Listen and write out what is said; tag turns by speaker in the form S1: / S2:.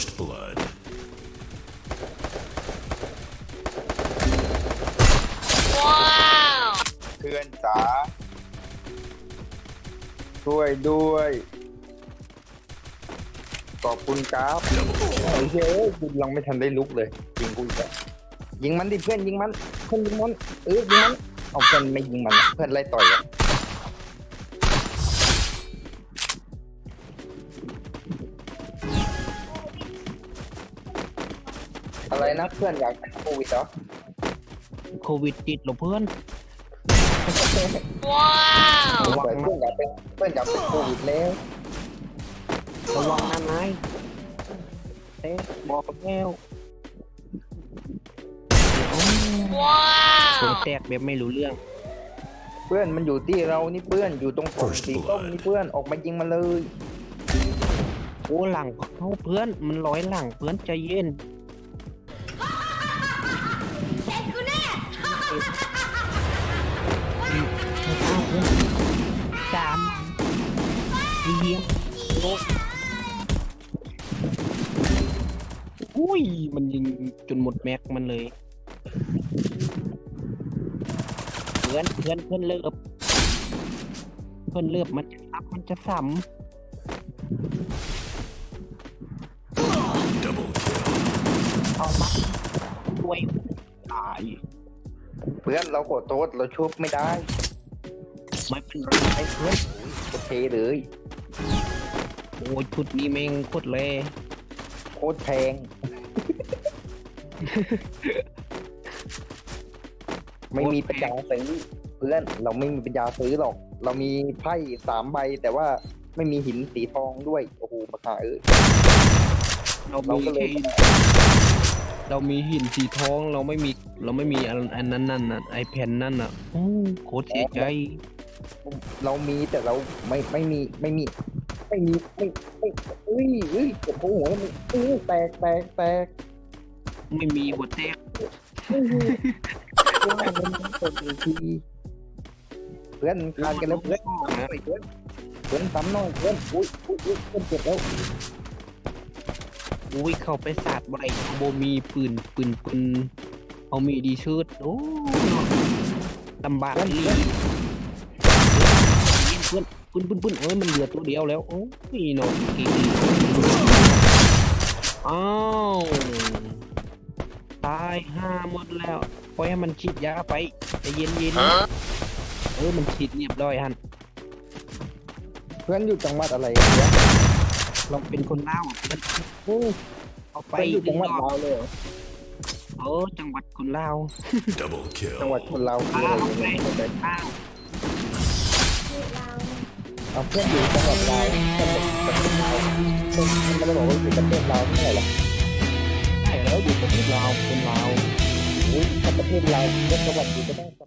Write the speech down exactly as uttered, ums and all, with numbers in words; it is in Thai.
S1: First blood.
S2: เพื่อนจ๋าช่วยด้วยขอบคุณครับไอ้เฮ้ยกูยังไม่ทันได้ลุกเลยยิงกูอีกแล้วยิงมันดิเพื่อนยิงมันเพื่อนยิงมันเออยิงมันเอาเพื่อนไม่ยิงมันเพื่อนไล่ต่อยอะอะไรนะเพื่อนอยากเป็นโควิดเหรอ
S3: โควิดติดเหรอเพื่อน
S2: ว้าวเพื่อนอยากเป็นเพื่อนอยากเป็นโควิดแล้ว
S3: ระวังนะนายเอ๊ะบอกแก้วว้าวแตกแบบไม่รู้เรื่อง
S2: เพื่อนมันอยู่ที่เรานี่เพื่อนอยู่ตรงกล่องสีส้มนี่เพื่อนออกมายิงมาเลย
S3: โอ้หลังเขาเพื่อนมันร้อยหลังเพื่อนใจเย็นสามเยี่ยมโอ้อุ้ยมันยิงจนหมดแม็กมันเลยเพื่อนเพื่อนเพื่อนเลิกเพื่อนเลิกมันจะซับมันจะซ้ำ
S1: Double kill.
S3: เอามาด้วยตาย
S2: เพื่อนเราขอโทษเราชุบไม่ได้
S3: ไม่เป็นไรเพื่อน
S2: โอเคเลย
S3: โอ้ยชุดนี้แม่งโคตรเลย
S2: โคตรแพง ไม่มีปัญญาซื้อเพื่อนเราไม่มีปัญญาซื้อหรอก เรามีไพ่สามใบแต่ว่าไม่มีหินสีทองด้วยโอ้โหราคาเอ้ย
S3: เรา
S2: เรา
S3: มี
S2: ก็เลย
S3: แค่เรามีหินสีทองเราไม่มีเราไม่มีอันอันนั้นนั่นน่ะไอแผ่นนั่นน่ะโอ้โคตรเสียใจ
S2: เรามีแต่เราไม่ไม่มีไม่มี ไม่มีไม่ไม่เอ้ยเอ้ยเจ็บหัวมันเอ้ยแตกแตกแตก
S3: ไม่มีหัวแตก
S2: ว่ามันเป็นอีกทีเพื่อนคานกันแล้วเพื่อนเพื่อนเพื่อนซ้ำหน่อยเพื่อนอุ้ยอุ้ยอุ้ยเพื่อนเจ็บแล้ว
S3: อุ้ยเข้าไปสาดบ่ได้โบมีปืนปืนปืนเอามีดีชืดโอ้ลำบากอีเพื่อนปืนปืนปืนเอ้ยมันเหลือตัวเดียวแล้วโอ้ยโนกีอ้าวตายห้าหมดแล้วปล่อยให้มันฉีดยาไปใจเย็นเย็นเออมันฉีดเรียบร้อยฮัน
S2: เพื่อนอยู่จังหวัดอะไรเนี่ย
S3: เราเป็นคนเล่าวเพื่อนโอ้เอาไป
S2: เพื่อนอยู่จังหวัดลาวเลยเหรอ
S3: เออจังหวัดคนเล่าว
S1: Double
S2: จังหวัด
S1: kill.
S2: คนลาวคือ
S3: อ้า
S2: อะไร
S3: วไป
S2: เนี่ย
S3: อ้าว
S2: เอาเพื่อนอยู่จังหวัดลาวจังหวัดประเทศลาวเพื่อนมันไม่ได้บอกว่าอยู่ประเทศลาวไม่ใช่เหรอ
S3: ใช่แล้วอยู่ประเทศลาวคนลาว
S2: อุ้ยถ้าประเทศลาวเพื่อนจังหวัดอยู่ก็ได้